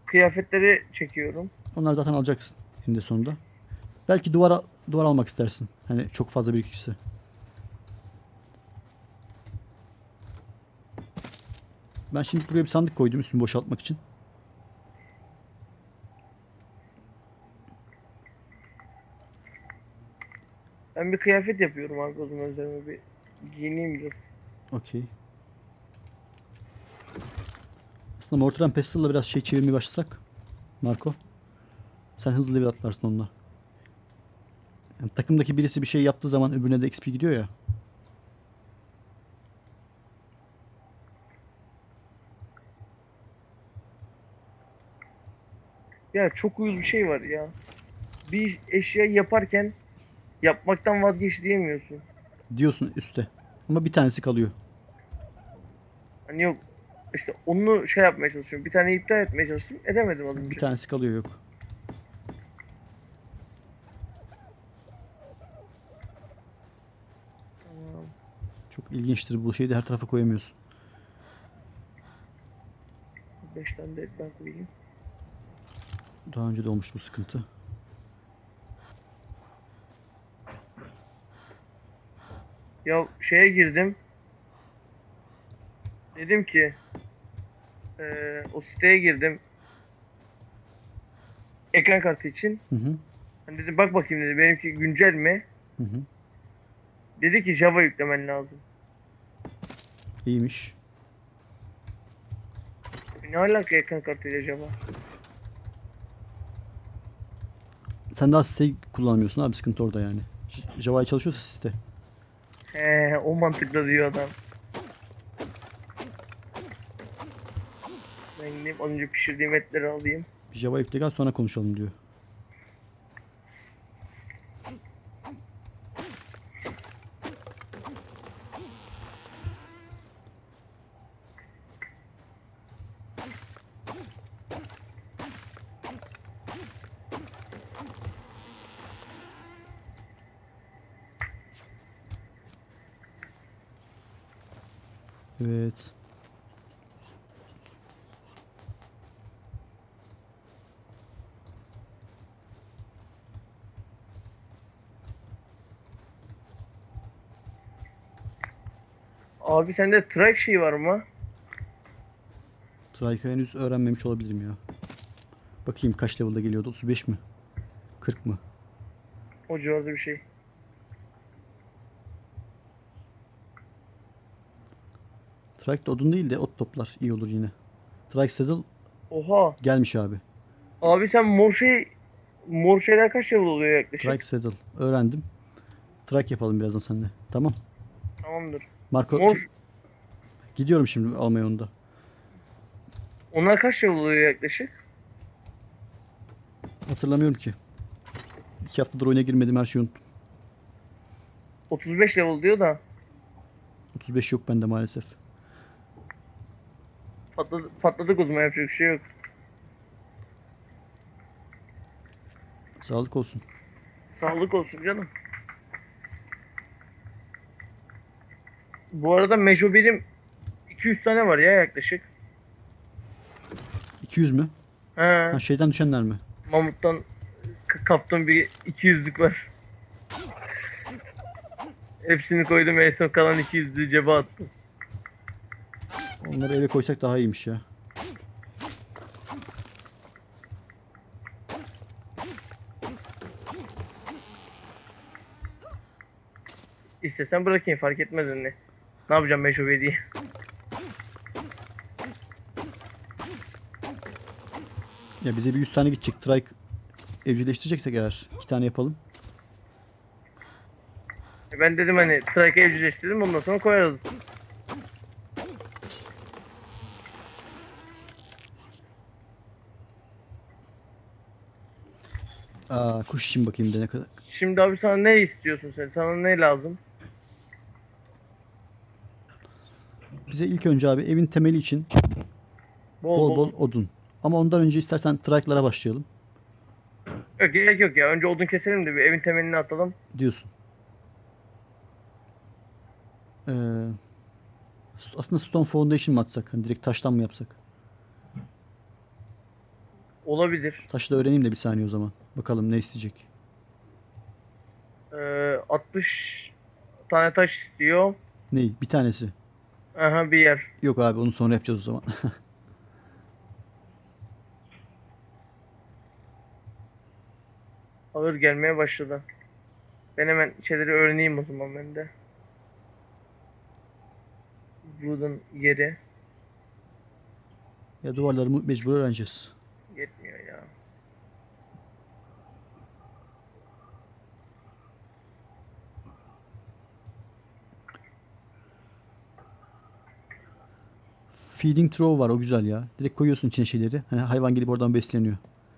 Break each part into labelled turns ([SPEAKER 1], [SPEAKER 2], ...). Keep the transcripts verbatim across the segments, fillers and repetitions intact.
[SPEAKER 1] kıyafetleri çekiyorum.
[SPEAKER 2] Onları zaten alacaksın eninde sonunda. Belki duvar duvar almak istersin. Hani çok fazla bir kişisi. Ben şimdi buraya bir sandık koydum üstünü boşaltmak için.
[SPEAKER 1] Ben bir kıyafet yapıyorum abi, o zaman üzerime bir giyineyim biraz.
[SPEAKER 2] Okey. Aslında Mortar and Pestil'la biraz şey çevirmeye başlasak. Marco. Sen hızlı level atlarsın onunla. Yani takımdaki birisi bir şey yaptığı zaman öbürüne de X P gidiyor ya.
[SPEAKER 1] Ya çok uyuz bir şey var ya. Bir eşya yaparken yapmaktan vazgeç diyemiyorsun.
[SPEAKER 2] Diyorsun üstte. Ama bir tanesi kalıyor.
[SPEAKER 1] Hani yok, işte onu şey yapmaya çalışıyorum. Bir tane iptal etmeye çalıştım. Edemedim az
[SPEAKER 2] Bir
[SPEAKER 1] önce.
[SPEAKER 2] tanesi kalıyor yok.
[SPEAKER 1] Tamam.
[SPEAKER 2] Çok ilginçtir bu şeyi de her tarafa koyamıyorsun.
[SPEAKER 1] Beş tane de etten koyayım.
[SPEAKER 2] Daha önce de olmuş bu sıkıntı.
[SPEAKER 1] Ya şeye girdim. Dedim ki eee, o siteye girdim. Ekran kartı için.
[SPEAKER 2] Hı hı.
[SPEAKER 1] Hani dedim bak bakayım dedi. Benimki güncel mi?
[SPEAKER 2] Hı hı.
[SPEAKER 1] Dedi ki Java yüklemen lazım.
[SPEAKER 2] İyiymiş.
[SPEAKER 1] Ne alaka ekran kartıyla Java?
[SPEAKER 2] Sen daha siteyi kullanmıyorsun abi sıkıntı orada yani. J- Java'ya çalışıyorsa site.
[SPEAKER 1] He, o mantıkla diyor adam. Ben gideyim az önce pişirdiğim etleri alayım.
[SPEAKER 2] Bir Java yükle gel sonra konuşalım diyor. Evet.
[SPEAKER 1] Abi sende track şey var mı?
[SPEAKER 2] Trike'ı henüz öğrenmemiş olabilirim ya. Bakayım kaç level'da geliyordu? otuz beş mi? kırk mı?
[SPEAKER 1] O civarda bir şey.
[SPEAKER 2] Trike de odun değil de ot toplar. İyi olur yine. Trike Saddle
[SPEAKER 1] Oha.
[SPEAKER 2] gelmiş abi.
[SPEAKER 1] Abi sen mor şey mor şeyler kaç level oluyor
[SPEAKER 2] Trike
[SPEAKER 1] yaklaşık?
[SPEAKER 2] Saddle. Öğrendim. Trike yapalım birazdan seninle. Tamam.
[SPEAKER 1] Tamamdır.
[SPEAKER 2] Marco
[SPEAKER 1] Mor
[SPEAKER 2] gidiyorum şimdi almaya onu da.
[SPEAKER 1] onlar kaç level oluyor yaklaşık?
[SPEAKER 2] Hatırlamıyorum ki. İki haftadır oyuna girmedim her şeyi unuttum.
[SPEAKER 1] otuz beş level diyor da
[SPEAKER 2] otuz beş yok bende maalesef.
[SPEAKER 1] patladı, patladık o zaman, yapacak bir şey yok.
[SPEAKER 2] Sağlık olsun.
[SPEAKER 1] Sağlık olsun canım. Bu arada Mejo birim iki yüz tane var ya yaklaşık.
[SPEAKER 2] iki yüz mü? Ha
[SPEAKER 1] He,
[SPEAKER 2] şeyden düşenler mi?
[SPEAKER 1] Mamut'tan k- kaptığım bir iki yüzlük var. Hepsini koydum, en son kalan iki yüzlüğü cebe attım.
[SPEAKER 2] Onları eve koysak daha iyiymiş ya.
[SPEAKER 1] İstesen bırakayım, fark etmez önüne. Ne yapacağım Mejo diye.
[SPEAKER 2] Ya bize bir yüz tane gidecek. Trike evcilleştireceksek eğer iki tane yapalım.
[SPEAKER 1] Ben dedim hani Strike'ı evcilleştirdim, ondan sonra koyarız.
[SPEAKER 2] Aa, kuş için bakayım da ne kadar.
[SPEAKER 1] Şimdi abi sana ne istiyorsun sen? Sana ne lazım?
[SPEAKER 2] Bize ilk önce abi evin temeli için
[SPEAKER 1] Bol
[SPEAKER 2] bol
[SPEAKER 1] bol.
[SPEAKER 2] bol odun. Ama ondan önce istersen trike'lara başlayalım
[SPEAKER 1] Yok, gerek yok ya. Önce odun keselim de bir evin temelini atalım.
[SPEAKER 2] diyorsun. Ee, aslında Stone Foundation mı atsak? Hani direkt taştan mı yapsak?
[SPEAKER 1] Olabilir.
[SPEAKER 2] Taşı da öğreneyim de bir saniye o zaman. Bakalım ne isteyecek.
[SPEAKER 1] Ee, altmış tane taş istiyor.
[SPEAKER 2] Ney? Bir tanesi.
[SPEAKER 1] Aha bir yer.
[SPEAKER 2] Yok abi onu sonra yapacağız o zaman.
[SPEAKER 1] Ağır gelmeye başladı. Ben hemen şeyleri öğreneyim o zaman ben de. Wooden yeri.
[SPEAKER 2] Ya duvarları mı- mecbur öğreneceğiz.
[SPEAKER 1] Yetmiyor ya.
[SPEAKER 2] Feeding trough var o güzel ya. Direkt koyuyorsun içine şeyleri. Hani hayvan gelip oradan besleniyor.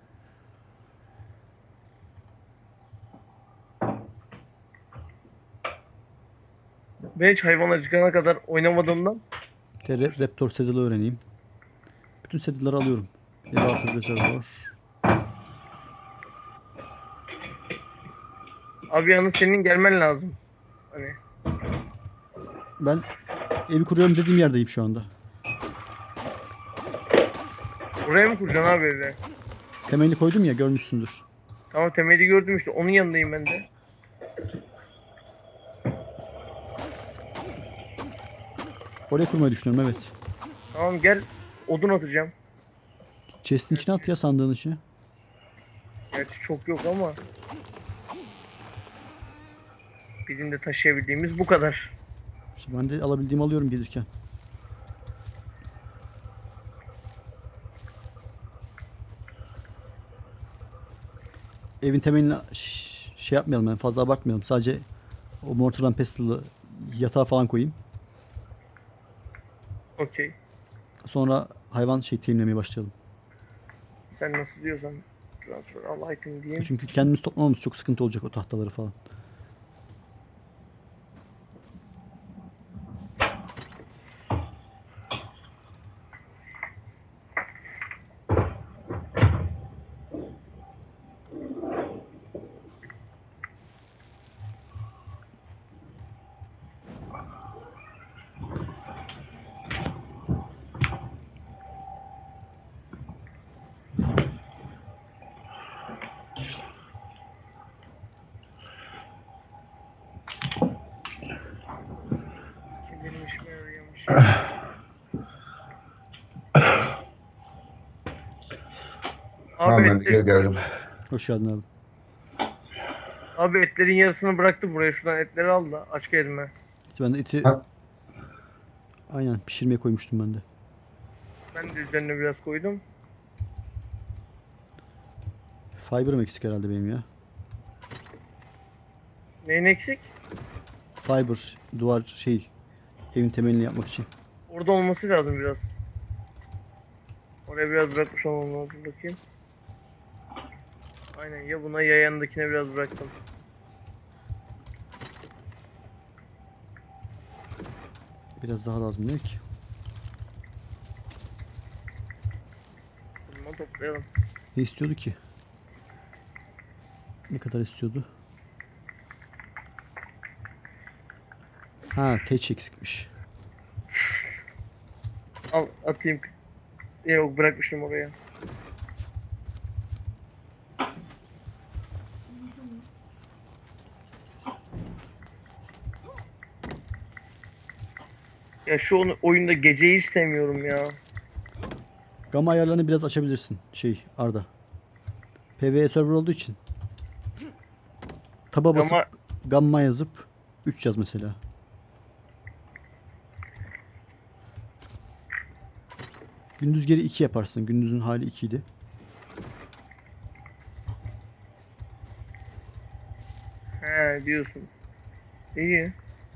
[SPEAKER 1] Ben hiç hayvan acıkana kadar oynamadığımdan
[SPEAKER 2] Bir de Ra- Raptor saddle'ı öğreneyim. Bütün saddle'ları alıyorum. Elevator reservoir.
[SPEAKER 1] abi yalnız senin gelmen lazım. Hani
[SPEAKER 2] Ben evi kuruyorum dediğim yerdeyim şu anda.
[SPEAKER 1] oraya mı kuracaksın abi evi?
[SPEAKER 2] Temelini koydum ya görmüşsündür.
[SPEAKER 1] Tamam temeli gördüm işte onun yanındayım ben de.
[SPEAKER 2] Oraya kurmayı düşünüyorum evet.
[SPEAKER 1] Tamam gel odun atacağım.
[SPEAKER 2] Chest'in içine at ya sandığın içine.
[SPEAKER 1] Gerçi çok yok ama bizim de taşıyabildiğimiz bu kadar.
[SPEAKER 2] İşte ben de alabildiğimi alıyorum gelirken. Evin temelini ş- şey yapmayalım yani fazla abartmayalım. Sadece o mortar and pestle'ı yatağa falan koyayım.
[SPEAKER 1] Okey.
[SPEAKER 2] Sonra hayvan şey teminlemeye başlayalım.
[SPEAKER 1] Sen nasıl diyorsan transfer all item diyeyim.
[SPEAKER 2] Çünkü kendimiz toplamamız çok sıkıntı olacak o tahtaları falan.
[SPEAKER 1] Kim benim işime yarıyormuş. Abi,
[SPEAKER 3] Tamam ben de
[SPEAKER 1] etler,
[SPEAKER 3] geri geldim.
[SPEAKER 2] Hoş geldin abi.
[SPEAKER 1] abi etlerin yarısını bıraktı buraya. Şuradan etleri al da aç gelme.
[SPEAKER 2] İşte ben de eti
[SPEAKER 3] Ha.
[SPEAKER 2] aynen pişirmeye koymuştum ben de.
[SPEAKER 1] Ben de üzerine biraz koydum.
[SPEAKER 2] Fiber'ım eksik herhalde benim ya.
[SPEAKER 1] Neyin eksik?
[SPEAKER 2] Fiber duvar şey evin temelini yapmak için.
[SPEAKER 1] Orada olması lazım biraz. Oraya biraz bırakmış olmam lazım bakayım. Aynen ya buna ya yanındakine biraz bıraktım.
[SPEAKER 2] Biraz daha lazım değil ki.
[SPEAKER 1] Bunu toplayalım.
[SPEAKER 2] Ne istiyordu ki? Ne kadar istiyordu? Ha teç eksikmiş.
[SPEAKER 1] Al atayım. Yok bırakmışım oraya. Ya şu onu- oyunda geceyi hiç sevmiyorum ya.
[SPEAKER 2] Gamma ayarlarını biraz açabilirsin şey Arda. PvE server olduğu için. Taba basıp
[SPEAKER 1] Ama
[SPEAKER 2] gamma yazıp üç yaz mesela. Gündüz geri iki yaparsın. Gündüzün hali iki idi.
[SPEAKER 1] he diyorsun. İyi.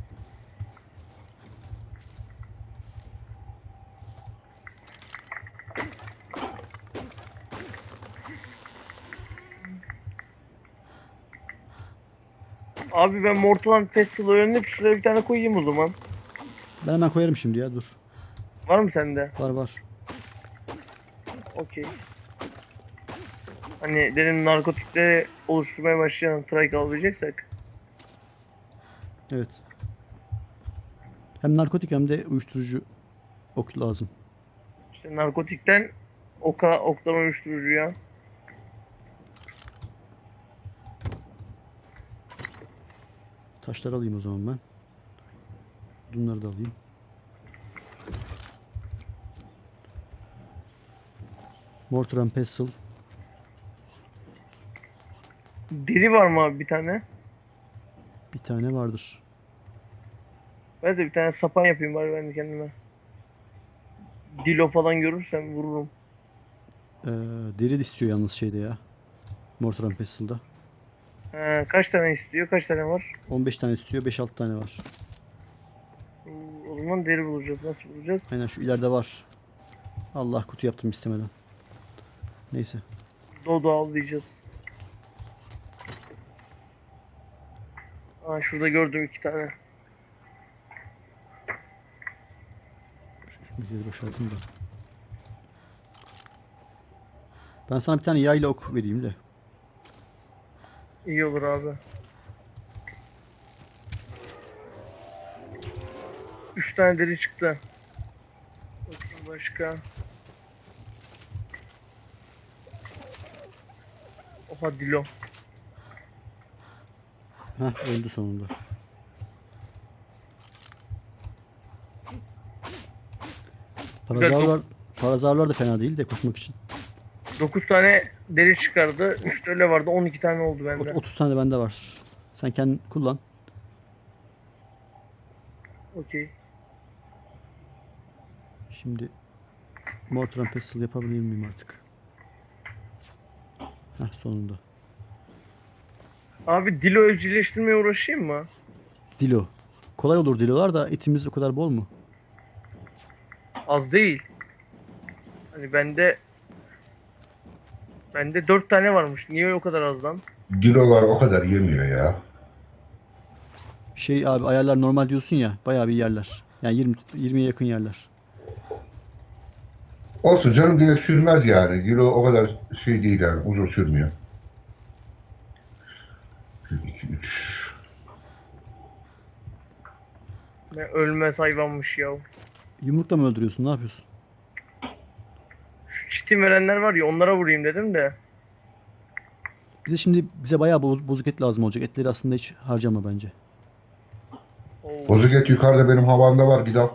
[SPEAKER 1] Abi ben Mortal and Pestle öğrenip şuraya bir tane koyayım o zaman.
[SPEAKER 2] Ben hemen koyarım şimdi ya dur.
[SPEAKER 1] Var mı sende?
[SPEAKER 2] Var var.
[SPEAKER 1] Okey. Hani dedim narkotikleri oluşturmaya başlayan trike alacaksak.
[SPEAKER 2] Evet. Hem narkotik hem de uyuşturucu ok lazım.
[SPEAKER 1] İşte narkotikten oka, oktan uyuşturucuya.
[SPEAKER 2] taşları alayım o zaman ben. Bunları da alayım. Mortar and pestle.
[SPEAKER 1] Deri var mı abi bir tane?
[SPEAKER 2] Bir tane vardır.
[SPEAKER 1] Ben de bir tane sapan yapayım bari ben de kendime. Dilo falan görürsem vururum.
[SPEAKER 2] Ee, deri de istiyor yalnız şeyde ya. Mortar and pestle'da.
[SPEAKER 1] He, kaç tane istiyor? Kaç tane var?
[SPEAKER 2] on beş tane istiyor. beş altı tane var.
[SPEAKER 1] Oo, o zaman deri bulacağız. Nasıl bulacağız?
[SPEAKER 2] Aynen şu ileride var. Allah kutu yaptım istemeden. Neyse.
[SPEAKER 1] Dodo avlayacağız. Aa, şurada gördüm iki tane.
[SPEAKER 2] Şu üstündekileri boşaltayım da. Ben sana bir tane yayla ok vereyim de.
[SPEAKER 1] İyi olur abi. Üç tane deri çıktı. Bakayım başka. Oha Dilo.
[SPEAKER 2] Heh öldü sonunda. Parazavlar, parazavlar da fena değil de koşmak için.
[SPEAKER 1] Dokuz tane deri çıkardı. üç de öyle vardı. on iki tane oldu bende.
[SPEAKER 2] Ot- otuz tane bende var. Sen kendin kullan.
[SPEAKER 1] Okey.
[SPEAKER 2] Şimdi Mortar and pestle yapabilir miyim artık? Heh sonunda.
[SPEAKER 1] Abi Dilo evcilleştirmeye uğraşayım mı?
[SPEAKER 2] Dilo. Kolay olur dilolar da etimiz o kadar bol mu?
[SPEAKER 1] Az değil. Hani bende bende dört tane varmış. Niye o kadar az lan?
[SPEAKER 3] Dilolar o kadar yemiyor ya.
[SPEAKER 2] Şey abi ayarlar normal diyorsun ya bayağı bir yerler. Yani yirmi yirmiye yakın yerler.
[SPEAKER 3] Olsun canım diye sürmez yani. Dilo o kadar şey değil yani. Uzun sürmüyor. bir, iki, üç.
[SPEAKER 1] Ne ölmez hayvanmış ya.
[SPEAKER 2] Yumrukla mı öldürüyorsun? Ne yapıyorsun?
[SPEAKER 1] Şu çitin verenler var ya onlara vurayım dedim de.
[SPEAKER 2] Bir de şimdi bize bayağı boz- bozuk et lazım olacak. Etleri aslında hiç harcama bence.
[SPEAKER 1] Oo.
[SPEAKER 3] Bozuk et yukarıda benim havamda var. Gid al.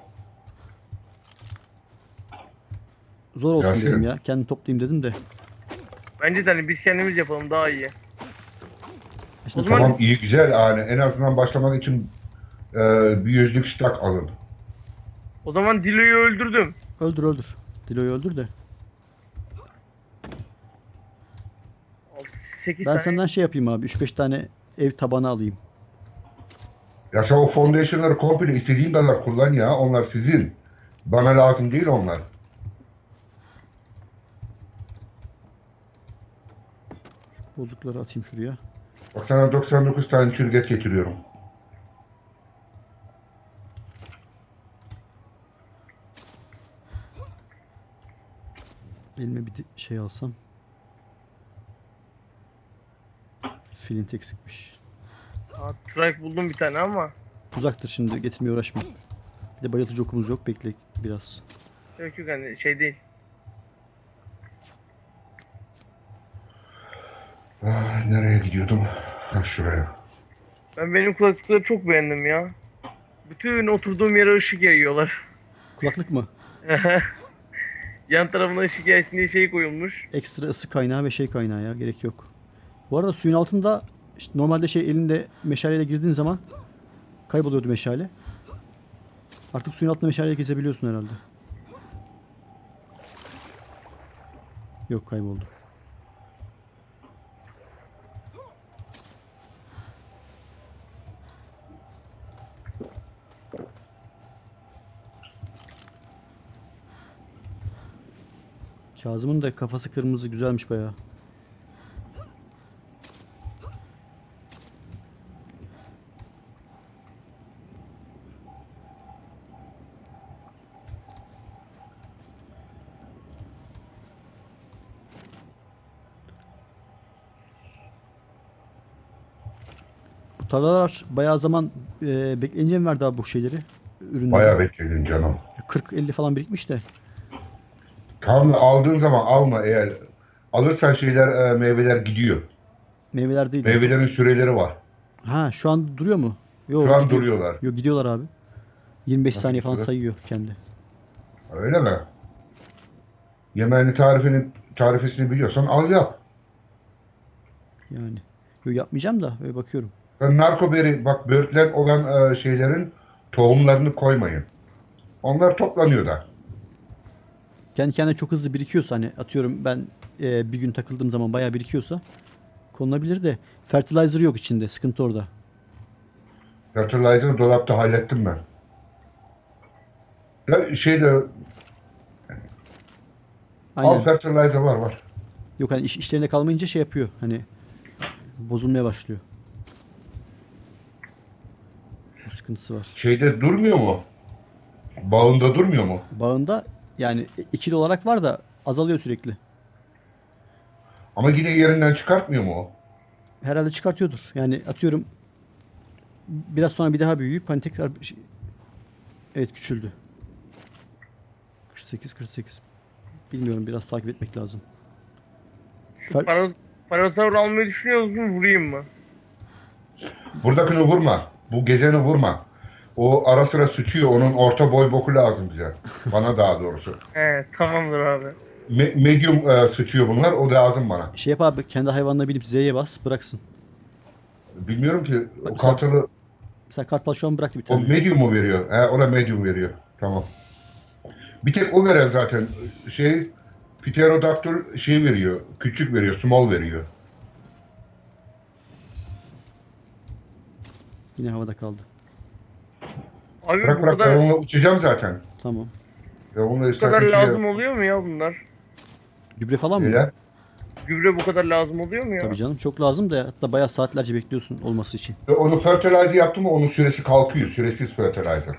[SPEAKER 2] Zor olsun
[SPEAKER 3] Yasin.
[SPEAKER 2] dedim ya. Kendim toplayayım dedim de.
[SPEAKER 1] Bence de hani biz kendimiz yapalım daha iyi.
[SPEAKER 2] Şimdi
[SPEAKER 1] O zaman-
[SPEAKER 3] Tamam iyi güzel yani. En azından başlamak için e, bir yüzlük stak alın.
[SPEAKER 1] O zaman Dilo'yu öldürdüm.
[SPEAKER 2] öldür öldür. Dilo'yu öldür de.
[SPEAKER 1] sekiz
[SPEAKER 2] Ben
[SPEAKER 1] tane.
[SPEAKER 2] senden şey yapayım abi. üç beş tane ev tabanı alayım.
[SPEAKER 3] Ya sen o foundation'ları komple istediğin kadar kullan ya. Onlar sizin. Bana lazım değil onlar.
[SPEAKER 2] Bozukları atayım şuraya.
[SPEAKER 3] Bak sana doksan dokuz tane çürget getiriyorum.
[SPEAKER 2] Elime bir de şey alsam. Flint eksikmiş.
[SPEAKER 1] Aa, trike buldum bir tane ama.
[SPEAKER 2] Uzaktır şimdi getirmeye uğraşma. Bir de bayıltıcı okumuz yok. Bekle biraz.
[SPEAKER 1] Yok yok hani şey değil.
[SPEAKER 3] Ah, nereye gidiyordum? Ha, şuraya.
[SPEAKER 1] Ben benim kulaklıkları çok beğendim ya. Bütün oturduğum yere ışık yayıyorlar.
[SPEAKER 2] Kulaklık mı?
[SPEAKER 1] Yan tarafına ışık yaysın diye şey koyulmuş.
[SPEAKER 2] Ekstra ısı kaynağı ve şey kaynağı ya. Gerek yok. Bu arada suyun altında işte normalde şey elinde meşaleyle girdiğin zaman kayboluyordu meşale. Artık suyun altında meşaleyle gezebiliyorsun herhalde. Yok kayboldu. Kazım'ın da kafası kırmızı güzelmiş bayağı. Bu tarlalar bayağı zaman e, bekleyince mi verdi abi bu şeyleri? Ürünleri.
[SPEAKER 3] Bayağı bekledin canım.
[SPEAKER 2] kırk elli falan birikmiş de.
[SPEAKER 3] Tam aldığın zaman alma eğer. Alırsan şeyler e, meyveler gidiyor.
[SPEAKER 2] Meyveler değil.
[SPEAKER 3] Meyvelerin süreleri var.
[SPEAKER 2] Ha şu an duruyor mu? Yo,
[SPEAKER 3] Şu an
[SPEAKER 2] gidiyor.
[SPEAKER 3] duruyorlar.
[SPEAKER 2] Yo, gidiyorlar abi. yirmi beş
[SPEAKER 3] Nasıl
[SPEAKER 2] saniye falan
[SPEAKER 3] gidiyorlar?
[SPEAKER 2] sayıyor kendi.
[SPEAKER 3] Öyle mi? Yemeğini tarifini tarifesini biliyorsan al yap.
[SPEAKER 2] Yani. Yo, yapmayacağım da öyle bakıyorum.
[SPEAKER 3] Ben narkoberi bak böğürtlen olan e, şeylerin tohumlarını koymayın. Onlar toplanıyor da.
[SPEAKER 2] Kendi kendine çok hızlı birikiyorsa, hani atıyorum ben e, bir gün takıldığım zaman bayağı birikiyorsa konulabilir de fertilizer yok içinde. Sıkıntı orada.
[SPEAKER 3] Fertilizer dolapta hallettim ben. Ya şeyde al
[SPEAKER 2] Aynen.
[SPEAKER 3] fertilizer var var.
[SPEAKER 2] Yok, hani iş, işlerinde kalmayınca şey yapıyor. Hani bozulmaya başlıyor. Bu sıkıntısı var.
[SPEAKER 3] Şeyde durmuyor mu? Bağında durmuyor mu?
[SPEAKER 2] Bağında yani ikili olarak var da azalıyor sürekli.
[SPEAKER 3] Ama yine yerinden çıkartmıyor mu o?
[SPEAKER 2] Herhalde çıkartıyordur. Yani atıyorum biraz sonra bir daha büyüyüp hani tekrar bir şey- evet, küçüldü. kırk sekiz kırk sekiz. Bilmiyorum, biraz takip etmek lazım.
[SPEAKER 1] Şu
[SPEAKER 2] Fer-
[SPEAKER 1] para, parasaur almayı düşünüyor musun? Vurayım mı?
[SPEAKER 3] Buradakini vurma. Bu gezeni vurma. O ara sıra sıçıyor. Onun orta boy boku lazım bize. Bana daha doğrusu.
[SPEAKER 1] He, tamamdır abi.
[SPEAKER 3] Me- medium e, sıçıyor bunlar. O lazım bana.
[SPEAKER 2] Şey yap abi, kendi hayvanına binip Z'ye bas, bıraksın.
[SPEAKER 3] Bilmiyorum ki
[SPEAKER 2] Bak
[SPEAKER 3] o
[SPEAKER 2] mesela,
[SPEAKER 3] kartalı
[SPEAKER 2] mesela kartal şu an bıraktı bir
[SPEAKER 3] o
[SPEAKER 2] tane.
[SPEAKER 3] medium mu veriyor? He, o da medium veriyor. Tamam. Bir tek o veren zaten. Şey Pterodactyl şey veriyor. Küçük veriyor. Small veriyor.
[SPEAKER 2] Yine havada kaldı.
[SPEAKER 1] Abi
[SPEAKER 3] Bırak
[SPEAKER 1] bu
[SPEAKER 3] bırak ben
[SPEAKER 1] kadar
[SPEAKER 3] onunla uçacağım zaten.
[SPEAKER 2] Tamam.
[SPEAKER 3] Ben onunla
[SPEAKER 1] bu kadar
[SPEAKER 3] stratejiye
[SPEAKER 1] lazım oluyor mu ya bunlar?
[SPEAKER 2] Gübre falan mı?
[SPEAKER 3] öyle.
[SPEAKER 1] Gübre bu kadar lazım oluyor mu ya?
[SPEAKER 2] Tabii canım, çok lazım da hatta bayağı saatlerce bekliyorsun olması için.
[SPEAKER 3] Ve onu fertilize yaptım mı onun süresi kalkıyor. Süresiz fertilizer.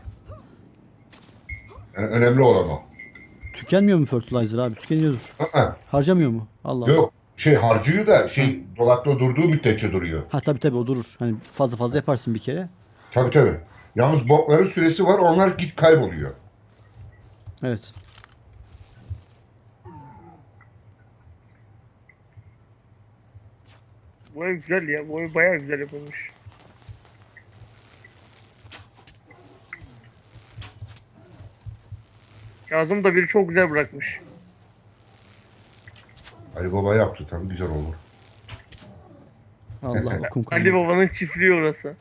[SPEAKER 3] Yani önemli olan o.
[SPEAKER 2] Tükenmiyor mu fertilizer abi? Tükeniyordur.
[SPEAKER 3] Aa,
[SPEAKER 2] Harcamıyor mu? Allah Allah.
[SPEAKER 3] yok. Şey harcıyor da
[SPEAKER 2] Ha.
[SPEAKER 3] şey dolapta durduğu müddetçe duruyor.
[SPEAKER 2] Ha, tabii tabii, o durur. Hani fazla fazla yaparsın bir kere.
[SPEAKER 3] Tabii tabii. Yalnız bokların süresi var. Onlar git kayboluyor.
[SPEAKER 2] Evet.
[SPEAKER 1] Bu ev güzel ya. Bu ev bayağı güzel yapılmış. Kazım da biri çok güzel bırakmış.
[SPEAKER 3] Ali Baba yaptı tabii güzel olur.
[SPEAKER 2] Allah, okum
[SPEAKER 1] Ali
[SPEAKER 2] kalmadı.
[SPEAKER 1] Baba'nın çiftliği orası.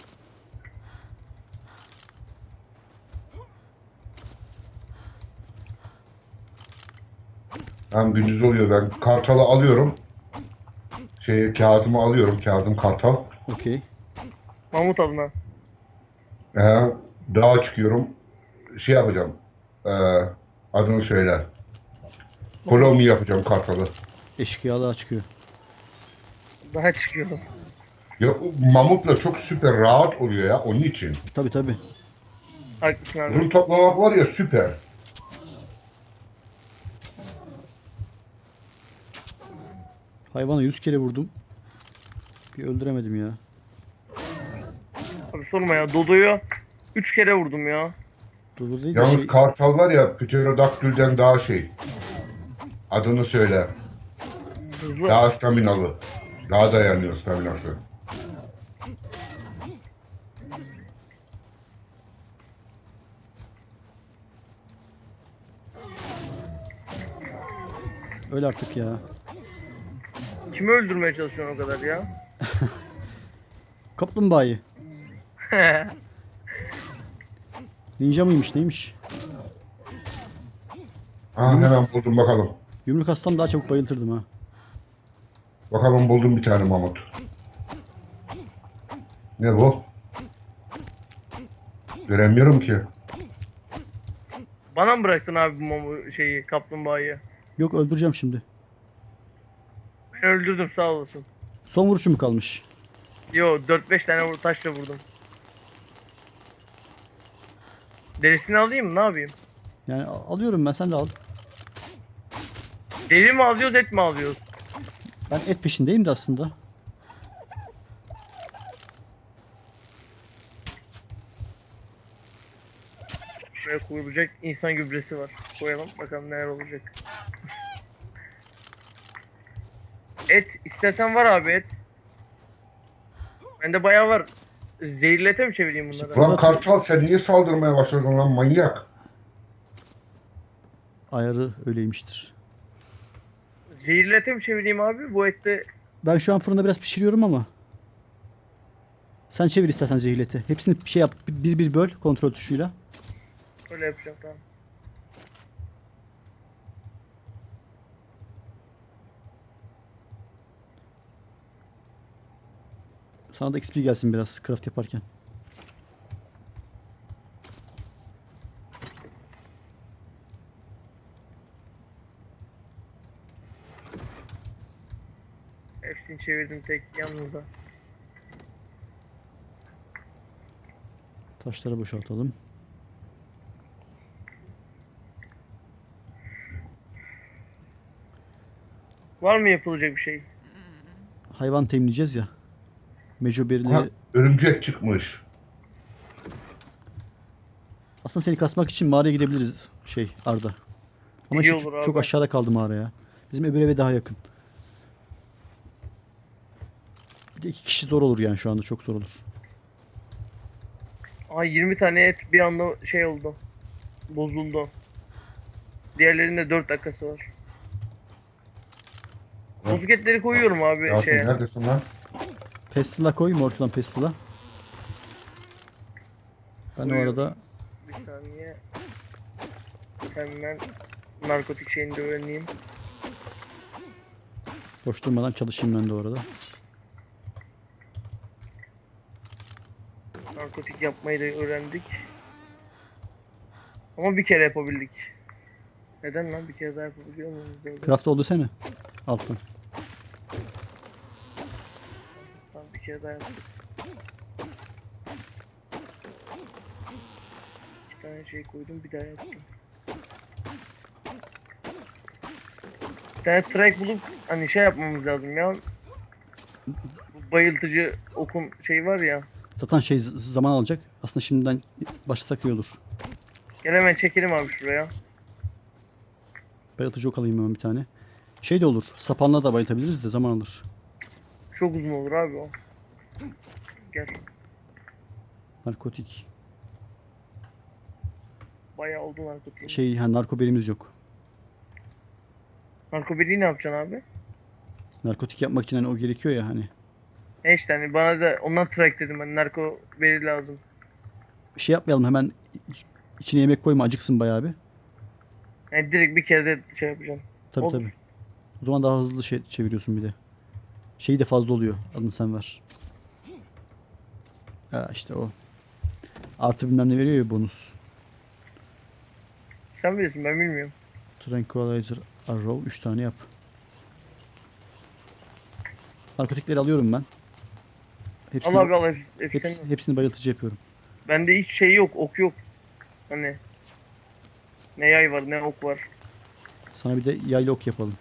[SPEAKER 3] Hem gündüz oluyor ben Kartal'ı alıyorum. Şey Kazım'ı alıyorum. Kazım Kartal.
[SPEAKER 2] Okey.
[SPEAKER 1] Mahmut adına.
[SPEAKER 3] Ee, dağa çıkıyorum. Şey yapacağım. Ee, adını söyle. Kolomi yapacağım Kartal'ı.
[SPEAKER 2] Eşkıyalığa çıkıyor.
[SPEAKER 1] Daha çıkıyor.
[SPEAKER 3] Ya o mamutla çok süper rahat oluyor ya onun için.
[SPEAKER 2] Tabii tabii.
[SPEAKER 1] Haklısın abi.
[SPEAKER 3] Run toplamak var ya süper.
[SPEAKER 2] Hayvana yüz kere vurdum. Bir öldüremedim ya.
[SPEAKER 1] Abi sorma ya. Dodo'yu üç kere vurdum ya.
[SPEAKER 2] Dolu değil de
[SPEAKER 3] Yalnız
[SPEAKER 2] şey...
[SPEAKER 3] Kartal var ya Pterodaktül'den daha şey. Adını söyle.
[SPEAKER 1] Hızlı.
[SPEAKER 3] Daha staminalı. Daha dayanıyor staminası.
[SPEAKER 2] Öyle artık ya.
[SPEAKER 1] Kimi öldürmeye çalışıyorsun o kadar ya?
[SPEAKER 2] Kaplumbağayı. Ninja mıymış neymiş?
[SPEAKER 3] Ha hemen buldum bakalım.
[SPEAKER 2] Yumruk atsam daha çabuk bayıltırdım ha.
[SPEAKER 3] Bakalım buldum bir tane mamut. Ne bu? Göremiyorum ki.
[SPEAKER 1] Bana mı bıraktın abi bu mamu şeyi, kaplumbağayı?
[SPEAKER 2] Yok, öldüreceğim şimdi.
[SPEAKER 1] Ben öldürdüm sağ olasın.
[SPEAKER 2] Son vuruşum mu kalmış?
[SPEAKER 1] Yo dört beş tane vur taşla vurdum. Derisini alayım mı? Ne yapayım?
[SPEAKER 2] Yani al- alıyorum ben, sen de al.
[SPEAKER 1] Deri mi alıyoruz, et mi alıyoruz?
[SPEAKER 2] Ben et peşindeyim de aslında.
[SPEAKER 1] Şuraya koyulacak insan gübresi var. Koyalım bakalım neler olacak. Et istersen var abi et. Bende bayağı var. Zehirlete mi çevireyim bunları?
[SPEAKER 2] İşte-
[SPEAKER 3] Lan Kartal sen niye saldırmaya başladın lan manyak?
[SPEAKER 2] Ayarı öyleymiştir.
[SPEAKER 1] Zehirlete mi çevireyim abi? Bu ette
[SPEAKER 2] Ben şu an fırında biraz pişiriyorum ama. Sen çevir istersen zehirleti. Hepsini bir şey yap. Bir bir böl kontrol tuşuyla.
[SPEAKER 1] öyle yapacağım tamam.
[SPEAKER 2] Sana da X P gelsin biraz craft yaparken.
[SPEAKER 1] Hepsini çevirdim tek yalnızda.
[SPEAKER 2] Taşları boşaltalım.
[SPEAKER 1] Var mı yapılacak bir şey?
[SPEAKER 2] Hayvan temizleyeceğiz ya. Meco
[SPEAKER 3] Ha,
[SPEAKER 2] berileri.
[SPEAKER 3] örümcek çıkmış.
[SPEAKER 2] Aslında seni kasmak için mağaraya gidebiliriz şey Arda. Ama
[SPEAKER 1] İyi
[SPEAKER 2] şey,
[SPEAKER 1] olur
[SPEAKER 2] çok
[SPEAKER 1] abi.
[SPEAKER 2] aşağıda kaldı mağara ya. Bizim öbür eve daha yakın. Bir de iki kişi zor olur yani şu anda çok zor olur.
[SPEAKER 1] Aa yirmi tane et bir anda şey oldu. Bozuldu. Diğerlerinde dört dakikası var.
[SPEAKER 3] Ha.
[SPEAKER 1] Bozuk etleri koyuyorum abi
[SPEAKER 3] Yasin
[SPEAKER 1] şeye.
[SPEAKER 3] neredesin lan?
[SPEAKER 2] Pestila koy Mortlan Pestila. Ben o
[SPEAKER 1] Koyuyorum.
[SPEAKER 2] arada
[SPEAKER 1] Bir saniye. Hemen narkotik şeyini de öğreneyim.
[SPEAKER 2] boş durmadan çalışayım ben de o arada.
[SPEAKER 1] Narkotik yapmayı da öğrendik. Ama bir kere yapabildik. Neden lan bir kere daha yapabiliyor muyuz? Öyle?
[SPEAKER 2] Craft oldu sene. Altın.
[SPEAKER 1] Tamam bir kere daha yaptık. İki tane şey koydum bir daha yaptım. Bir tane track bulup hani şey yapmamız lazım ya. Bu bayıltıcı okun şey var ya.
[SPEAKER 2] Zaten şey z- zaman alacak. Aslında şimdiden başlasak iyi olur.
[SPEAKER 1] Gel hemen çekelim abi şuraya.
[SPEAKER 2] Bayıltıcı ok alayım hemen bir tane. Şey de olur. Sapanla da bayıltabiliriz de zaman alır.
[SPEAKER 1] Çok uzun olur abi o. Gel.
[SPEAKER 2] Narkotik.
[SPEAKER 1] Bayağı oldu narkotiğin.
[SPEAKER 2] Şey ha narko berimiz yok.
[SPEAKER 1] Narkobeliği ne yapacaksın abi?
[SPEAKER 2] Narkotik yapmak için hani o gerekiyor ya hani.
[SPEAKER 1] E işte hani bana da ondan track dedim hani narko veri lazım.
[SPEAKER 2] Bir şey yapmayalım hemen iç- içine yemek koyma acıksın bayağı bir.
[SPEAKER 1] Yani direkt bir kere de şey yapacağım.
[SPEAKER 2] Tabii
[SPEAKER 1] Olur.
[SPEAKER 2] tabii. O zaman daha hızlı şey çeviriyorsun bir de. Şeyi de fazla oluyor. Adını sen ver. Ha işte o. Artı bilmem ne veriyor ya bonus.
[SPEAKER 1] Sen bilirsin ben bilmiyorum.
[SPEAKER 2] Tranquilizer Arrow üç tane yap. Narkotikleri alıyorum ben. Hepsini,
[SPEAKER 1] Al abi al hepsi, hepsi
[SPEAKER 2] heps-
[SPEAKER 1] senin.
[SPEAKER 2] hepsini bayıltıcı yapıyorum.
[SPEAKER 1] Bende hiç şey yok ok yok. Hani. Ne yay var ne ok var.
[SPEAKER 2] Sana bir de yaylı ok yapalım.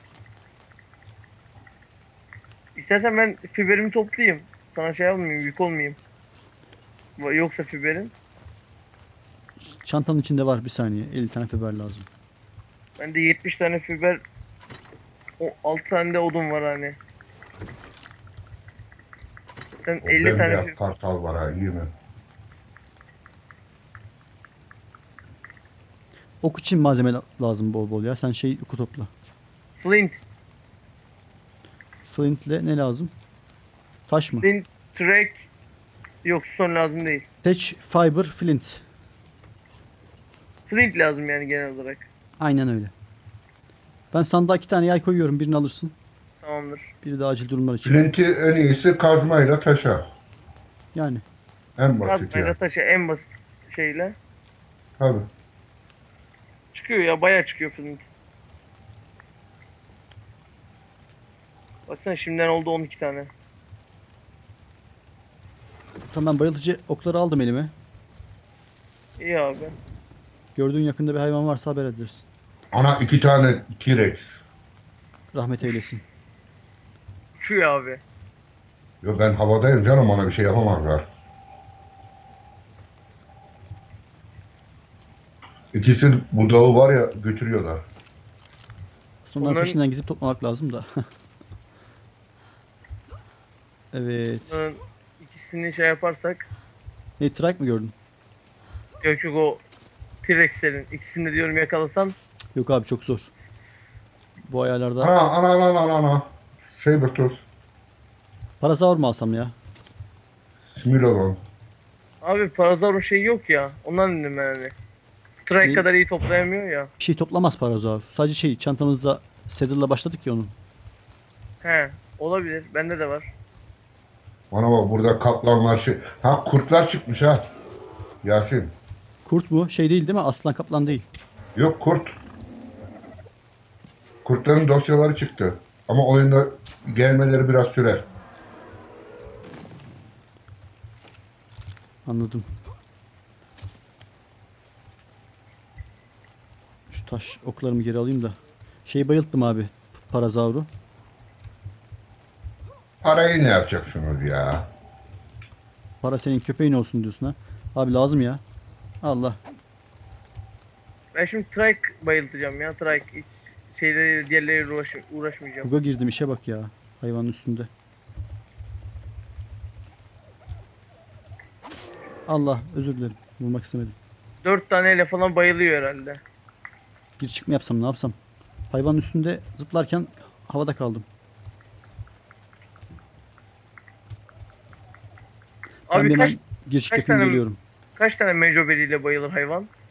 [SPEAKER 1] İstersen ben fiberimi toplayayım. Sana şey yapmayayım yük olmayayım. Va- Yoksa fiberin.
[SPEAKER 2] Çantanın içinde var bir saniye. elli tane fiber lazım.
[SPEAKER 1] Bende yetmiş tane fiber. O altı tane de odun var hani. Sen
[SPEAKER 3] O
[SPEAKER 1] elli tane
[SPEAKER 3] bembeyaz
[SPEAKER 1] fi-
[SPEAKER 3] kartal var ha iyi mi?
[SPEAKER 2] Ok için malzeme la- lazım bol bol ya. Sen şey oku topla.
[SPEAKER 1] flint.
[SPEAKER 2] Flint'le ne lazım? Taş mı?
[SPEAKER 1] Flint, track. Yok son lazım değil.
[SPEAKER 2] Thatch, fiber, flint.
[SPEAKER 1] Flint lazım yani genel olarak.
[SPEAKER 2] Aynen öyle. Ben sandığa iki tane yay koyuyorum. Birini alırsın.
[SPEAKER 1] Tamamdır.
[SPEAKER 2] Biri de acil durumlar için.
[SPEAKER 3] Flint'i en iyisi kazmayla taşa.
[SPEAKER 2] Yani.
[SPEAKER 3] En basit
[SPEAKER 1] Kazmayla
[SPEAKER 3] ya.
[SPEAKER 1] taşı en basit şeyle.
[SPEAKER 3] Tabii.
[SPEAKER 1] Çıkıyor ya bayağı çıkıyor flint. Baksana şimdiden oldu on iki tane.
[SPEAKER 2] Tamam ben bayıltıcı okları aldım elime.
[SPEAKER 1] İyi abi.
[SPEAKER 2] Gördüğün yakında bir hayvan varsa haber edersin.
[SPEAKER 3] Ana iki tane T-Rex.
[SPEAKER 2] Rahmet eylesin.
[SPEAKER 1] Şu ya abi.
[SPEAKER 3] Yo ben havadayım canım ona bir şey yapamazlar. İkisi budağı var ya götürüyorlar.
[SPEAKER 2] Sonra onların
[SPEAKER 1] Onların-
[SPEAKER 2] peşinden gizip toplamak lazım da. Evet.
[SPEAKER 1] Bunların ikisini şey yaparsak.
[SPEAKER 2] Ne trike mi gördün?
[SPEAKER 1] Yok yok, o T-Rex'lerin ikisini de diyorum yakalasam.
[SPEAKER 2] Yok abi çok zor. Bu ayarlarda
[SPEAKER 3] Ana ana ana ana ana. Sabertooth.
[SPEAKER 2] parasaur mu alsam ya?
[SPEAKER 3] Smilodon.
[SPEAKER 1] Abi Parazor'un şeyi yok ya. Ondan dedim ben hani. Trike
[SPEAKER 2] Ne?
[SPEAKER 1] kadar iyi toplayamıyor ya.
[SPEAKER 2] Bir şey toplamaz parasaur. Sadece şey çantamızda saddle'la başladık ya onun.
[SPEAKER 1] He, olabilir. Bende de var.
[SPEAKER 3] Bana bak burada kaplanlar şey. Ha kurtlar çıkmış ha. Yasin.
[SPEAKER 2] Kurt mu? Şey değil değil mi? Aslan kaplan değil.
[SPEAKER 3] Yok kurt. Kurtların dosyaları çıktı. Ama oyunda gelmeleri biraz sürer.
[SPEAKER 2] Anladım. Şu taş oklarımı geri alayım da. Şeyi bayılttım abi. Parazauru.
[SPEAKER 3] Parayı ne yapacaksınız ya?
[SPEAKER 2] Para senin köpeğin olsun diyorsun ha. Abi lazım ya. Allah.
[SPEAKER 1] Ben şimdi Trike bayıltacağım ya. Trike hiç şeyleri diğerleriyle uğraş, uğraşmayacağım.
[SPEAKER 2] Buga girdim işe bak ya. Hayvanın üstünde. Allah özür dilerim. Vurmak istemedim.
[SPEAKER 1] Dört taneyle falan bayılıyor herhalde.
[SPEAKER 2] Bir çık mı yapsam ne yapsam? Hayvanın üstünde zıplarken havada kaldım. Ben
[SPEAKER 1] Abi
[SPEAKER 2] bir
[SPEAKER 1] kaç
[SPEAKER 2] hemen giriş
[SPEAKER 1] kaç
[SPEAKER 2] yapayım
[SPEAKER 1] tane-
[SPEAKER 2] geliyorum.
[SPEAKER 1] kaç tane mecoberiyle bayılır hayvan?